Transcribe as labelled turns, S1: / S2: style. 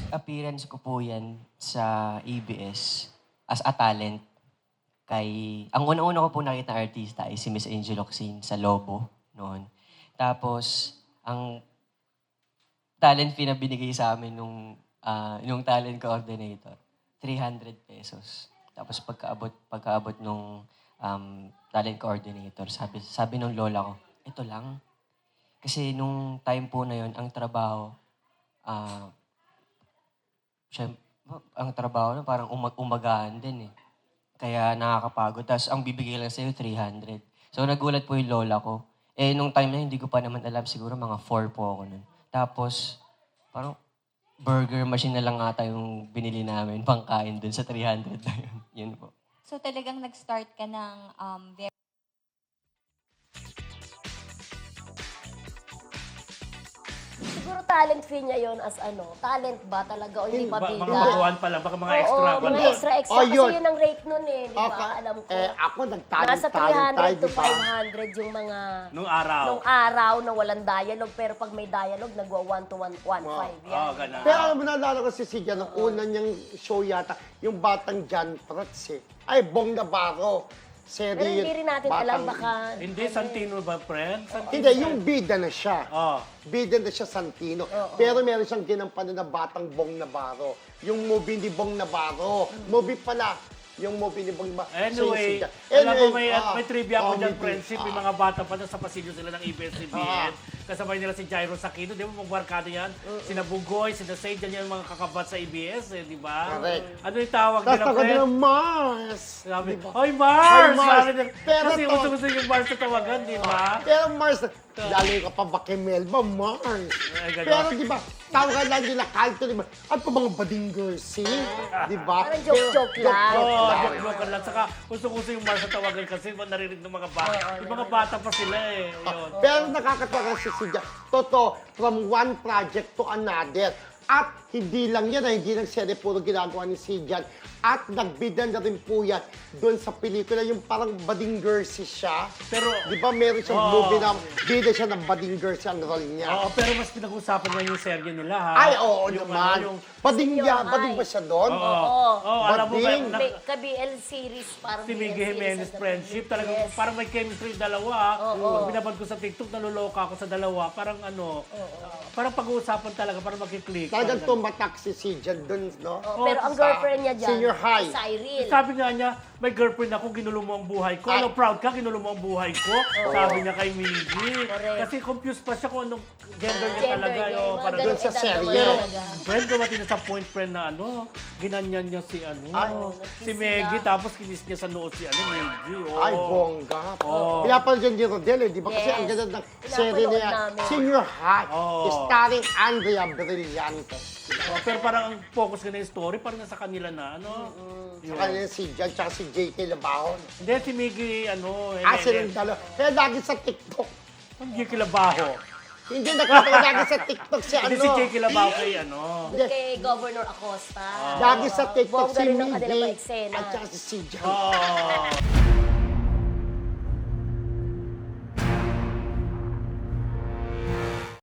S1: appearance ko po yan sa ABS as a talent. Ang una-una ko po nakita na artista ay si Miss Angel Locsin sa Lobo noon. Tapos, ang talent fee na binigay sa amin nung talent coordinator, 300 pesos. Tapos pagkaabot nung talent coordinator, sabi nung lola ko, ito lang. Kasi nung time po na yon ang trabaho, ang trabaho na parang umagahan din eh. Kaya nakakapagod. Tapos ang bibigay lang sa'yo, 300. So nagulat po yung lola ko. Eh, nung time na yun, hindi ko pa naman alam. Siguro mga 4 po ako nun. Tapos, parang burger machine na lang ata yung binili namin pangkain dun sa 300 na yun. Yun po.
S2: So talagang nag-start ka ng very
S3: Siguro talent fee niya yon as talent ba talaga o hindi pa
S4: Mga
S3: bida?
S4: baguhan pa lang, baka mga extra
S3: Oo,
S4: pa
S3: mga
S4: lang.
S3: extra
S5: Oh,
S3: kasi
S5: yun.
S3: yun ang rate nun eh, di ba?
S5: Okay.
S3: Alam ko.
S5: Ako nagtalent
S3: Nasa
S5: tayo,
S3: 300 to
S5: di ba?
S3: 500 yung mga
S4: Nung araw.
S3: nung araw na walang dialogue, pero pag may dialogue, nagwa 1 to 1.5 yan.
S4: Oo, ganun.
S5: Pero alam mo, naalala ko si Sigya, nung una niyang show yata, yung Batang John Prats eh. Ay, Bong Navarro.
S3: Pero hindi rin natin alam, baka...
S4: Hindi, Santino ba, friend?
S5: Hindi, yung bida na siya.
S4: Oh.
S5: Bida na siya, Santino. Pero meron siyang ginampanan na Batang Bong Navarro. Yung movie ni Bong Navarro. Movie pala. Yung movie ni Bong Navarro.
S4: Anyway,
S5: So,
S4: alam mo, may trivia ako dyan,
S5: comedy.
S4: friendship. May mga bata pa sa pasilyo sila ng ABS-CBN. Kasabay nila si Jairo Sakino. Di ba, mga barkada yan? Sina Bugoy, sina Said, yan yung mga kakabat sa ABS, eh, di ba?
S5: Correct.
S4: Ano yung tawag
S5: Tapos
S4: nila,
S5: ako
S4: friend?
S5: ng Mars.
S4: Sabi,
S5: Diba?
S4: Hoy, Mars!
S5: Hoy, Mars!
S4: Sabi nila,
S5: Pero
S4: kasi
S5: to-
S4: gusto yung Mars na tawagan, di ba?
S5: Pero Mars, lalo ka pa ba kay Melba, Mars.
S4: Ay, ganun.
S5: Pero di ba, tawagan lang nila kalto, di ba? At pa mga bading girls, di ba?
S3: Parang joke-joke lang.
S4: Oo, joke lang. Saka gusto yung Mars na tawagan kasi naririnig ng mga bata. Yung mga bata pa sila eh. Yun.
S5: Pero nakakatawa si Sidya. Totoo, from one project to another. At hindi lang yan, hindi lang serye puro ginagawa ni Sidyan. At nagbida na rin po yan doon sa pelikula, yung parang bading girls siya.
S4: Pero,
S5: Di ba meron siyang
S4: Oo.
S5: movie na bida siya ng bading girls ang role niya?
S4: oo, pero mas pinag-usapan nga yung serye nila ha.
S5: Ay, oo
S4: Yung
S5: naman.
S4: ano, yung,
S5: Bading
S3: Senior
S5: niya,
S3: high.
S5: bading ba siya doon?
S4: Oo, alam mo ba,
S5: Bading.
S3: May ka-BL series, parang
S4: si Miggy
S3: BL series
S4: Jimenez
S3: ang
S4: friendship, talagang
S3: Yes.
S4: parang may chemistry yung dalawa. Pag binabad ko sa TikTok, naluloka ako sa dalawa. Parang parang pag-uusapan talaga, parang makiklik.
S5: Talagang tumatak si Sidyan doon, no?
S3: Pero ang girlfriend niya dyan,
S5: Senior high.
S3: si Cyril.
S4: Sabi nga niya, may girlfriend ako, ginulo mo ang buhay ko. Ano, proud ka, ginulo mo ang buhay ko? Sabi niya kay Miggy.
S3: Correct.
S4: Kasi confused pa siya kung anong gender niya
S3: Gender
S4: talaga.
S3: niya,
S4: Yung
S3: mga
S4: parang
S3: ganun
S5: Doon sa
S3: edad
S5: serye.
S3: naman
S4: Pero,
S3: talaga.
S4: friend, dumating na sa point, friend, na ginanyan niya si
S5: Ay,
S4: si Meggy, tapos kinis niya sa noo si Meggy. Oh.
S5: Ay, bongga.
S4: Oo.
S5: Kaya pala dyan ni Rodel, di ba? Kasi
S3: Yes.
S5: ang ganda ng serie
S3: Pinapanood
S5: niya,
S3: namin.
S5: Senior High,
S4: Oo.
S5: starring Andrea Brillante.
S4: Oh, pero parang ang focus ka na yung story, parang nasa kanila na, Yun.
S5: Sa kanya si Jan, tsaka si JK Labahon.
S4: Hindi, si Meggy,
S5: Silang dalawa. Kaya lagi sa TikTok.
S4: Ang Jake Labaho.
S5: Hindi nakita lagi sa TikTok si
S4: Hindi si Jake Labaho kay
S3: Kay Governor Acosta.
S5: Lagi sa TikTok
S3: Bongga
S5: si
S3: rin ang kanilang mga
S5: Miggy
S3: eksena.
S5: at saka si Jan.
S4: Oh.